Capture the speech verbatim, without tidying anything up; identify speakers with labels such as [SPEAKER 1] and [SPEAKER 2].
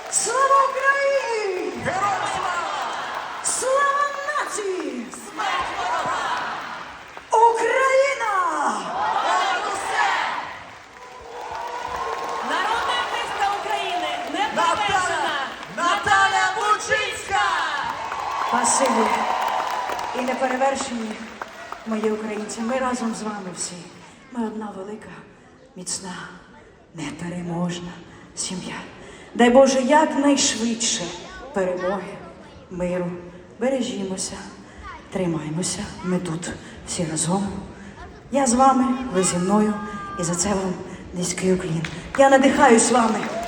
[SPEAKER 1] Слава Україні!
[SPEAKER 2] Героям слава!
[SPEAKER 1] Слава нації!
[SPEAKER 2] Смерть ворогам!
[SPEAKER 1] Україна!
[SPEAKER 2] Понад усе!
[SPEAKER 3] Народна артистка України,
[SPEAKER 2] Наталя,
[SPEAKER 3] неперевершена
[SPEAKER 2] Наталя Бучинська!
[SPEAKER 1] Спасибі і неперевершені мої українці. Ми разом з вами всі. Ми одна велика, міцна, непереможна сім'я. Дай Боже, якнайшвидше перемоги, миру. Бережімося, тримаймося. Ми тут всі разом. Я з вами, ви зі мною. І за це вам низький уклін. Я надихаюсь вами.